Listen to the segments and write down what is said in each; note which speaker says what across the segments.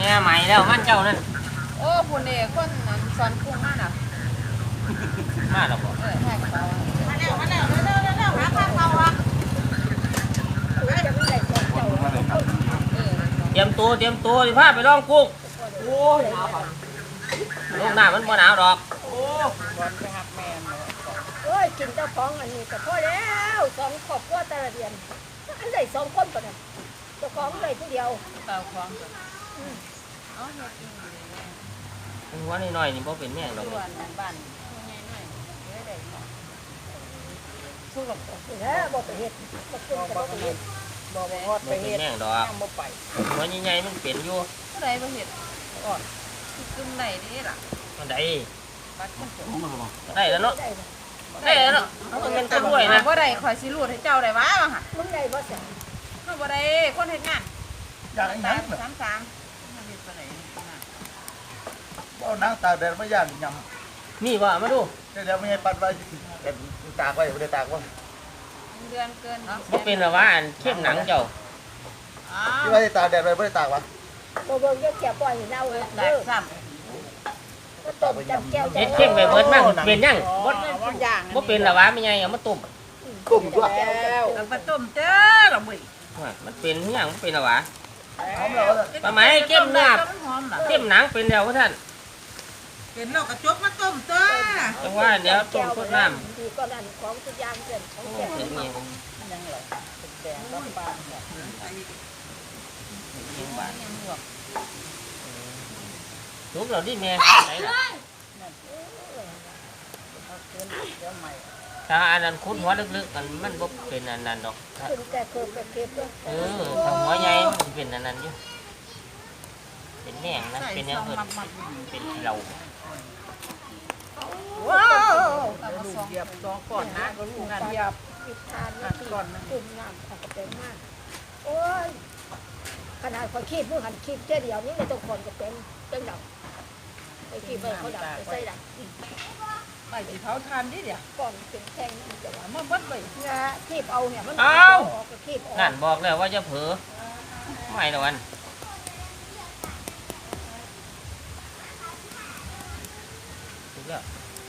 Speaker 1: เนี่ยใหม่แล้วมันเจ้านั่น
Speaker 2: โอ้ผู้นี่คนสอนกุ้งมาน่ะ
Speaker 1: มาแล้วบ่
Speaker 2: ให้กระเป๋ามาแล้วเร็วหาข้าวเขาอ่ะ
Speaker 1: เตรียมตัวสิพาไปลองกุ้งโอ้ยหนาวลูกหน้ามันบ่หนาวดอก
Speaker 2: โอ้บอลไปหักแม่
Speaker 3: โอ้ยกินเจ้าของอันนี้ก็พอแล้ว2 ครอบครัวแต่ละเดือนอันใด2 คนปะเนี่ยเจ้าของได้ผู้เดียว
Speaker 2: เต่าของเอาเฮ็ดกินอยู่
Speaker 1: หัวน้อยๆนี่บ่เป็นแม่งดอก
Speaker 2: บ้านบ้านใหญ่หน่อยได้สู้กับ
Speaker 3: แล้วบ่ไปเฮ็ดบ่กินก็บ่ไปเฮ็ด
Speaker 2: บ่ฮอดไปเฮ็ด
Speaker 1: แม่งดอก
Speaker 2: บ่ไป
Speaker 1: หัวใหญ่ๆมันเป็นอยู่
Speaker 2: ผู้ใดบ่เฮ็ดอ่อนกึ่งไหนนี่ล่ะ
Speaker 1: อันใด
Speaker 2: บัดมัน
Speaker 1: ได้แล้วเนาะได้แล้วเนาะเอาเงินตัวด้วยนะ
Speaker 2: บ่ได้ข่อยสิรูดให้เจ้าได้วะว่าหั่น
Speaker 3: มึงได้บ่ซั่น
Speaker 2: เฮาบ่ได้คนเฮ็ดงาน
Speaker 4: อยากให้นังแบบ
Speaker 2: 33มันเฮ็ดปานใด
Speaker 4: บ่นังตากแดดไม่ย่านย
Speaker 1: ำนี่ว่ามาดู
Speaker 4: เดี๋ยวไม่ให้ปัดไว้แต่ตากไว้ไม่ได้ตากไว้
Speaker 2: เดือนเกิน
Speaker 1: บ่เป็นหรอวะอันเข้มหนังเจ้า
Speaker 4: ที่ว่าตากแดดไว้ไม่ได้ตากวะ
Speaker 3: บ่เบิ่งจะแก่ปล่อยให้เน่า
Speaker 2: ได้ซ้ำ
Speaker 3: ก็ต้มจำแก้ว
Speaker 1: เฮ็ดเข้มไปเบิดมั่งเป็นยังบ่เป็นหรอวะไม่ใหญ่เอามาต้ม
Speaker 4: กุ้งด้วย
Speaker 2: แล้วมาต้มเด้อล่ะมื้อ
Speaker 1: มันเป็นยังมันเป็นหรอวะ
Speaker 4: หอมแล้ว
Speaker 1: ปลาไหมเข้มหนาเข้มหนังเป็นแล้วท่าน
Speaker 2: เป็นเรากระจกมาต้มตัว
Speaker 1: จังว่าเดี๋ยวต้มข้นน้
Speaker 3: ำดีก็นั่นของทุกอย่างเกินของแก่
Speaker 1: ยังไง
Speaker 2: ยังเหรอแดงบ้านบ้านแบบ
Speaker 1: ยังบ้านทุกเราดิแม่ไหนล่ะถ้าอันนั้นคุ้นหัวลึกๆกันมันบ่เป็นอันนั้นดอก
Speaker 3: ขึ้นแต่เคิบแต่เคิบ
Speaker 1: ถ้าหัวใหญ่มันเป็นอันนั้นอยู่เป็นแหน่งนะเป็นยังเกิดเป็นเรา
Speaker 2: ว้าวเหยียบสองก่อนนะก็ลูกนั่นเหยียบ
Speaker 3: วิทานนี่ก่อนกลุ่มน้ำเขาก็เป็นมากโอ้ยขนาดคนขีดมือหันขีดเจ๊เดียวนี่ในตรงคนก็เป็นจังดับไอ้ขีดไปเขาดับไปใส่ดับ
Speaker 2: ไปที่เขาทานดิเดี๋ยว
Speaker 3: ก่อนเป็นแท่งนี่จะว่า
Speaker 2: มันบัดไป
Speaker 3: เนี่ยขีดเอาเนี่ยมันขีด
Speaker 1: นั่นบอกแล้วว่าจะเผลอไม่ละวันถูกแล้ว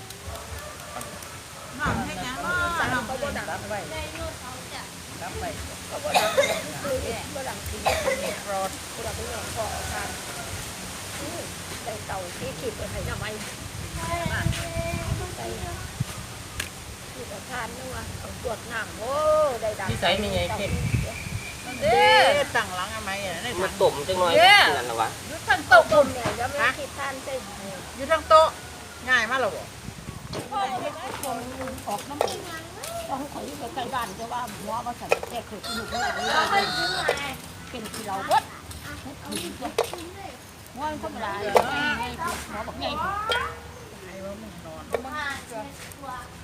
Speaker 2: น้องให้ยังน้องเขาบ่ดังไปดับไป
Speaker 3: ก็บ่ดังบ่ดังขีดรอดบ่ดังเป็นของพ่อทานใส่เต่าที่ขีดไปให้น้ำไม้ใส่ที่ประทานนู่นเอาตรวจน้ำโอ้ได้ดัง
Speaker 1: ที่ใส่มีไงเข้ม
Speaker 2: เด้ตั้งหลังอะไรนี่
Speaker 1: มันตุ่มจังหน่อยนั่นหรอวะ
Speaker 2: อยู่ทางโต๊ะ
Speaker 3: ต้มเนี่ยจะไม่ขีดทานใช่
Speaker 2: อยู่ทางโต๊ะง่ายมากหรอบ่
Speaker 3: ออกน้ำต้องขออยู่ใกล้บ้านจะว่าหัวมาใส่แก่คืออยู่ข้างหลังนี่เป็นที่เราเบิดหัวธรรมดาหัวแบบไง
Speaker 2: ให้ว่ามึงนอน